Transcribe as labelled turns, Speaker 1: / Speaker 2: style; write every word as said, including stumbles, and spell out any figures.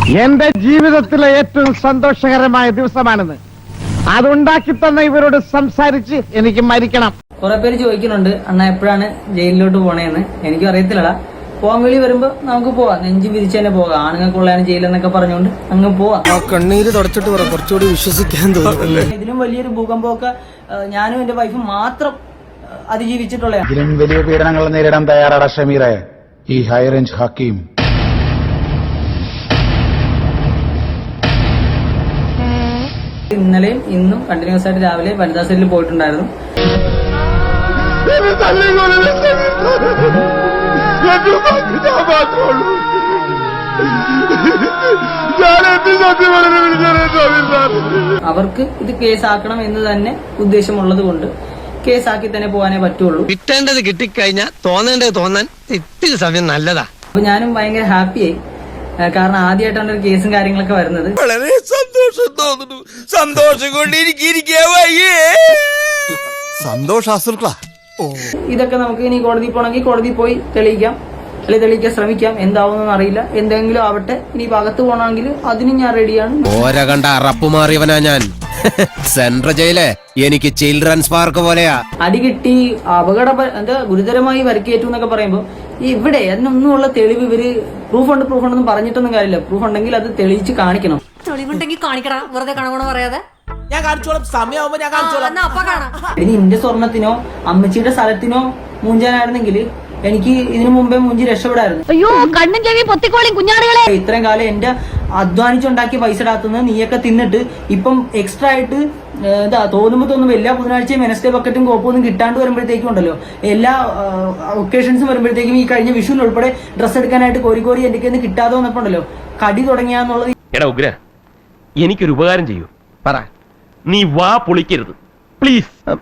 Speaker 1: എന്റെ ജീവിതത്തിലെ ഏറ്റവും സന്തോഷകരമായ ദിവസമാണെന്ന് അതുണ്ടാക്കി തന്ന ഇവരോട് സംസാരിച്ച് എനിക്ക് മരിക്കണം.
Speaker 2: കുറെ പേര് ചോദിക്കുന്നുണ്ട് അണ്ണ എപ്പോഴാണ് ജയിലിലോട്ട് പോണേന്ന്. എനിക്കും അറിയത്തില്ലടാ. പോകാൻ വേണ്ടി വരുമ്പോ നമുക്ക് പോവാം, നെഞ്ചു വിരിച്ചു തന്നെ പോകാം. ആണുങ്ങൾക്കുള്ളതാണ് ജയിലെന്നൊക്കെ പറഞ്ഞുകൊണ്ട് അങ്ങ് പോവാം.
Speaker 3: കണ്ണീര് തുടച്ചിട്ട് കുറച്ചുകൂടി വിശ്വസിക്കാൻ തോന്നുന്നു.
Speaker 2: ഇതിലും വലിയൊരു ഭൂകമ്പമൊക്കെ ഞാനും എന്റെ വൈഫും മാത്രം അതിജീവിച്ചിട്ടുള്ള.
Speaker 4: ഇതിലും വലിയ പീഡനങ്ങൾ നേരിടാൻ തയ്യാറാണ് ഷമീറെ ഈ ഹൈ റേഞ്ച് ഹക്കീം.
Speaker 2: ഇന്നലെയും ഇന്നും കണ്ടിന്യൂസ് ആയിട്ട് രാവിലെ വനിതാ സെല്ലിൽ പോയിട്ടുണ്ടായിരുന്നു. അവർക്ക് ഇത് കേസാക്കണം എന്ന് തന്നെ ഉദ്ദേശമുള്ളത് കൊണ്ട് കേസാക്കി തന്നെ പോകാനേ പറ്റുള്ളൂ.
Speaker 3: കിട്ടേണ്ടത് കിട്ടിക്കഴിഞ്ഞാൽ തോന്നേണ്ടത് തോന്നാൻ ഇത്തിരി സമയം നല്ലതാ.
Speaker 2: അപ്പൊ ഞാനും ഭയങ്കര ഹാപ്പിയായി. കാരണം ആദ്യമായിട്ടാണ് ഒരു കേസും കാര്യങ്ങളൊക്കെ വരുന്നത്.
Speaker 3: വളരെ സന്തോഷം തോന്നുന്നു. സന്തോഷം കൊണ്ട് സന്തോഷാസുക്കളാ.
Speaker 2: ഇതൊക്കെ നമുക്ക് ഇനി കോടതി പോകണമെങ്കിൽ കോടതി പോയി തെളിയിക്കാം, അല്ലെങ്കിൽ തെളിയിക്കാൻ ശ്രമിക്കാം. എന്താവുമെന്നൊന്നും അറിയില്ല. എന്തെങ്കിലും ആവട്ടെ. ഇനി അകത്ത് പോകണമെങ്കിൽ അതിന് ഞാൻ റെഡിയാണ്.
Speaker 5: ഓര കണ്ട അറപ്പ് മാറിയവനാ ഞാൻ. സെൻട്രൽ ജയില് എനിക്ക് ചിൽഡ്രൻസ് പാർക്ക് പോലെയാ.
Speaker 2: അടി കിട്ടി, അപകട എന്താ ഗുരുതരമായി പരിക്കേറ്റു എന്നൊക്കെ പറയുമ്പോ ഇവിടെ അതിനൊന്നുമുള്ള തെളിവ് ഇവര് പ്രൂഫ് ഉണ്ട് പ്രൂഫ് ഉണ്ടെന്ന് പറഞ്ഞിട്ടൊന്നും കാര്യമില്ല. പ്രൂഫ് ഉണ്ടെങ്കിൽ അത് തെളിയിച്ച് കാണിക്കണം.
Speaker 6: തെളിവുണ്ടെങ്കിൽ കാണിക്കടാ, വെറുതെ കാണണമെന്ന് പറയാതെ.
Speaker 3: ഞാൻ കാണിച്ചോളാം, സമയമാകുമ്പോ ഞാൻ കാണിച്ചോളാം.
Speaker 2: ഇനി എന്റെ സ്വർണത്തിനോ അമ്മച്ചിയുടെ സ്ഥലത്തിനോ മൂഞ്ചാനായിരുന്നെങ്കിൽ എനിക്ക് ഇതിനു മുമ്പേ മൂഞ്ചി രക്ഷപ്പെടായിരുന്നു.
Speaker 6: അയ്യോ കണ്ണും ചെവി പൊത്തിക്കോളിയും കുഞ്ഞാടുകളെ.
Speaker 2: ഇത്രയും കാലം എന്റെ അധ്വാനിച്ചുണ്ടാക്കിയ പൈസ ഇടാത്തുനിന്ന് നീയൊക്കെ തിന്നിട്ട് ഇപ്പം എക്സ്ട്രാ ആയിട്ട് എന്താ തോന്നുമ്പോ തോന്നുമ്പോ എല്ലാ ബുധനാഴ്ചയും വെനസ്ഡേ ബക്കറ്റും കോപ്പൊന്നും കിട്ടാണ്ട് വരുമ്പോഴത്തേക്കും ഉണ്ടല്ലോ, എല്ലാ ഒക്കേഷൻസും വരുമ്പോഴത്തേക്കും ഈ കഴിഞ്ഞ വിഷുവിന് ഉൾപ്പെടെ ഡ്രസ്സ് എടുക്കാനായിട്ട് കോരി കോരി എന്റെ കയ്യിൽ നിന്ന് കിട്ടാതെ വന്നപ്പോ ഉണ്ടല്ലോ കടി തുടങ്ങിയാന്നുള്ളത്.
Speaker 7: എടാ ഉഗ്ര, എനിക്കൊരു ഉപകാരം ചെയ്യൂ.
Speaker 3: പറ.
Speaker 7: നീ വാ പൊളിക്കരുത് പ്ലീസ്.